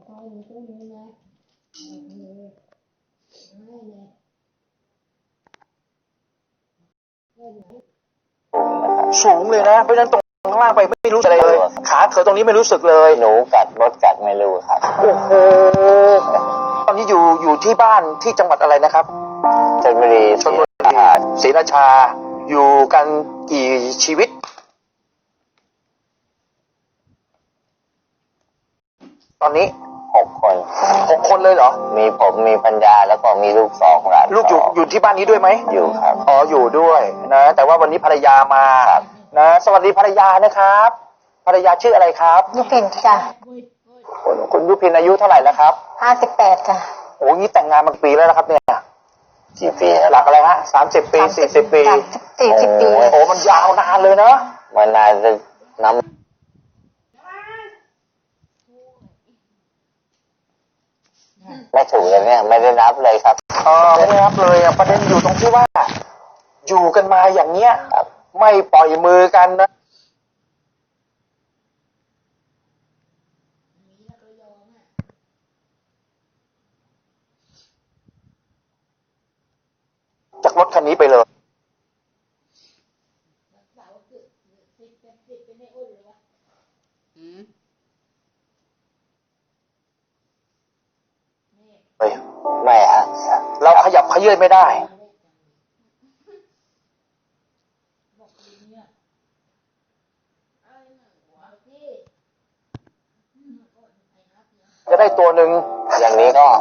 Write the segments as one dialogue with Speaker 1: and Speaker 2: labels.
Speaker 1: สูงเลยนะเพราะฉะนั้นตรงข้างล่างไปไม่รู้อะไรเลยขาเธอตรงนี้ไม่รู้สึกเลย
Speaker 2: หนูกัดมดกัดไม่รู้ครับ
Speaker 1: โอ้โหตอนนี้อยู่ที่บ้านที่จังหวัดอะไรนะครับ
Speaker 2: ชลบุรี
Speaker 1: ศรีราชาอยู่กันกี่ชีวิตตอนนี้6 คนเลยเหรอ
Speaker 2: มีผมมีปัญญาแล้วก็มีลูก2หลาน
Speaker 1: ลูกอยู่ที่บ้านนี้ด้วยไหม
Speaker 2: อยู่ครับ
Speaker 1: อ๋ออยู่ด้วยนะแต่ว่าวันนี้ภรรยามานะสวัสดีภรรยานะครับภรรยาชื่ออะไรครับ
Speaker 3: ยุพินจ้ะ
Speaker 1: คุณยุพินอายุเท่าไหร่แล้วครับ
Speaker 3: 58จ้ะ
Speaker 1: โอ้ยแต่งงานมากี่ปีแล้วนะครับเนี่ย
Speaker 2: กี่ปี
Speaker 1: หลักอะไรฮะ30 ปี40 ปี
Speaker 3: 40 ปี
Speaker 1: โอ้มันยาวนานเลยเนาะ
Speaker 2: มันนานจะน้ำไม่ถูกเลยเนี่ยไม่ได้นับเลยครับ
Speaker 1: ไม่ได้นับเลยประเด็นอยู่ตรงที่ว่าอยู่กันมาอย่างเนี้ยไม่ปล่อยมือกันนะจากรถคันนี้ไปเลย
Speaker 2: ไม่ฮะ
Speaker 1: เราขยับเขยื้อนไม่ได้จะได้ตัวหนึ่ง
Speaker 2: อย่างนี้ก็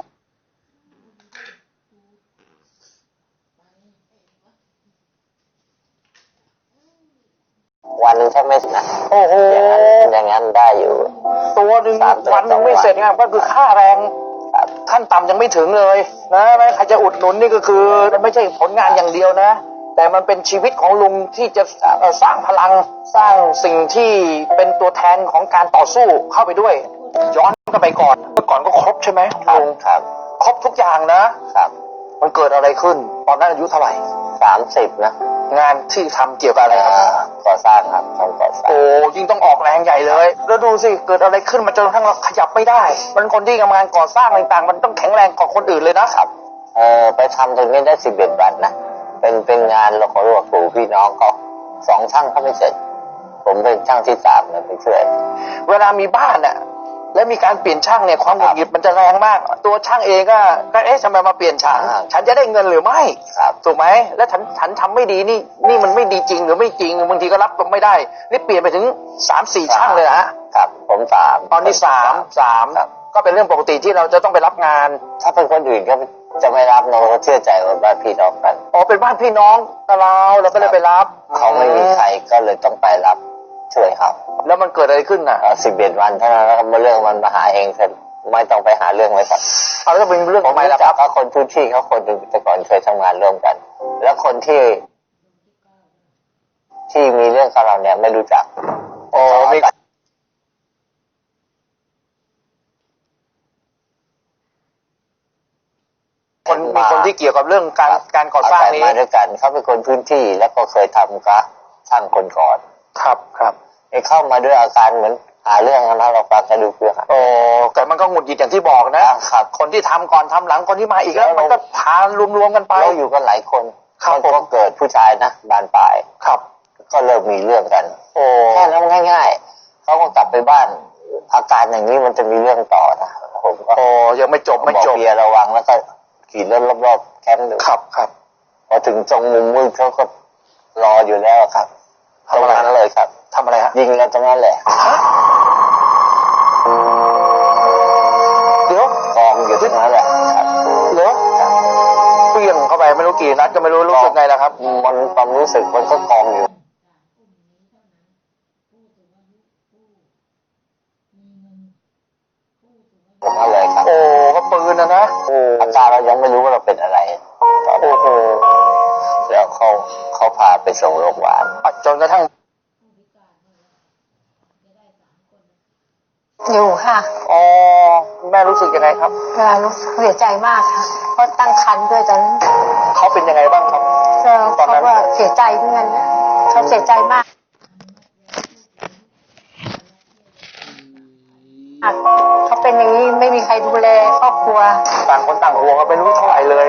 Speaker 2: วันนึงถ้าไม่นะ
Speaker 1: โอ้โห
Speaker 2: อย่างนั้นได้อยู่
Speaker 1: ตัวหนึ่งวันนึงไม่เสร็จไงก็คือค่าแรงขั้นต่ำยังไม่ถึงเลยนะใครจะอุดหนุนนี่ก็คือไม่ใช่ผลงานอย่างเดียวนะแต่มันเป็นชีวิตของลุงที่จะสร้างพลังสร้างสิ่งที่เป็นตัวแทนของการต่อสู้เข้าไปด้วยย้อนก็ไปก่อนเมื่อก่อนก็ครบใช่ไหมลุง
Speaker 2: ครับ
Speaker 1: ครบทุกอย่างนะครับมันเกิดอะไรขึ้นตอนนั้นอายุเท่าไหร่
Speaker 2: 30นะ
Speaker 1: งานที่ทำเกี่ยวกับอะไรครับ
Speaker 2: ก่อสร้างครับทำก่อสร้าง
Speaker 1: โอ้ยิ่งต้องออกแรงใหญ่เลยแล้วดูสิเกิดอะไรขึ้นมาจนกระทั่งเราขยับไม่ได้มันคนที่ทำงานก่อสร้างต่างๆมันต้องแข็งแรงกว่าคนอื่นเลยนะครับ
Speaker 2: ไปทำตรงนี้ได้11 วันนะเป็นงานเราขอรวบรวมพี่น้องเขา2 ช่างเขาไม่เสร็จผมเป็นช่างที่3นะไปช่วย
Speaker 1: เวลามีบ้านน่ะและมีการเปลี่ยนช่างเนี่ยความหงุดหงิดมันจะแรงมากตัวช่างเองก็ทำไมมาเปลี่ยนช่างฉันจะได้เงินหรือไม่ถูกไหมแล้วฉันทำไม่ดีนี่มันไม่ดีจริงหรือไม่จริงบางทีก็รับไม่ได้นี่เปลี่ยนไปถึง3-4 ช่างเลย
Speaker 2: นะครับผม3
Speaker 1: ตอนนี้3ก็เป็นเรื่องปกติที่เราจะต้องไปรับงาน
Speaker 2: ถ้าเป็นคนอื่นก็จะไม่รับเราเชื่อใจว่าบ้านพี่น้องกัน
Speaker 1: เป็นบ้านพี่น้องกับเราก็เลยไปรับ
Speaker 2: เขาไม่มีใครก็เลยต้องไปรับช่วยครับ
Speaker 1: แล้วมันเกิดอะไรขึ้นน่ะ
Speaker 2: 11 วันเท่านั้นแล้วเรื่องมันมาหาเองเสร็จไม่ต้องไปหาเรื่องไว้ก่อน
Speaker 1: แล้วเป็นเรื่องของ
Speaker 2: ไม่แล้วครับคนพื้นที่เขาคนแต่ก่อนเคยทำงานร่วมกันแล้วคนที่มีเรื่องกับเราเนี่ยไม่รู้จัก
Speaker 1: มีคนที่เกี่ยวกับเรื่องการก่อสร้างนี้
Speaker 2: มาด้วยกันเขาเป็นคนพื้นที่แล้วก็เคยทำกับช่างคนก่อน
Speaker 1: ครับ
Speaker 2: เข้ามาด้วยอาการเหมือนหาเรื่องนะเราฟังกันดูเพื่อ
Speaker 1: แต่มันก็หงุดหงิดอย่างที่บอกนะครับคนที่ทำก่อนทำหลังคนที่มาอีกแล้วมันก็ทานรวมๆกันไป
Speaker 2: เราอยู่กันหลายคนมันก็เกิดผู้ชายนะบานปลาย
Speaker 1: ครับ
Speaker 2: ก็เริ่มมีเรื่องกันแค่นั้นง่ายๆเขาก็กลับไปบ้านอาการอย่างนี้มันจะมีเรื่องต่อนะผมก็
Speaker 1: ยังไม่จบ
Speaker 2: เบียร์ระวังแล้วก็ขี่รถรอบๆแคมป์ดู
Speaker 1: ครับ
Speaker 2: พอถึงตรงมุมมืดเขาก็รออยู่แล้วครับตรงนั้นเลยครับ
Speaker 1: ทำอะไรฮะ
Speaker 2: ยิงแล้วตรงนั้นแหละ
Speaker 1: เดี๋ยว
Speaker 2: กองอยู่ตรงนั้นแหละครับ
Speaker 1: เดี๋ยวเปรี้ยงเข้าไปไม่รู้กี่นัดก็ไม่รู้สึกไงแล้วครับ
Speaker 2: มันความรู้สึกมันก็กองอยู่ตรงนั้นเลยครับ
Speaker 1: ก็ปืนนะ
Speaker 2: อาจารย์เรายังไม่รู้ว่าเราเป็นอะไรแล้วเขาพาไปส่งโรงพยาบาล
Speaker 1: จนกระทั่ง
Speaker 3: อยู่ค่ะ
Speaker 1: แม่รู้สึกยังไงครับ
Speaker 3: รู้สึกเสียใจมากค่ะเพราะตั้งครรภ์ด้วยตอนนั้น
Speaker 1: เขาเป็นยังไงบ้างครับ
Speaker 3: ตอนนั้นเขาเสียใจเหมือนกันเขาเสียใจมากเขาเป็นเป็นอย่างนี้ไม่มีใครดูแลครอบครัว
Speaker 1: ต่างคนต่างห่วงกันไม่รู้เท่าไหร่เลย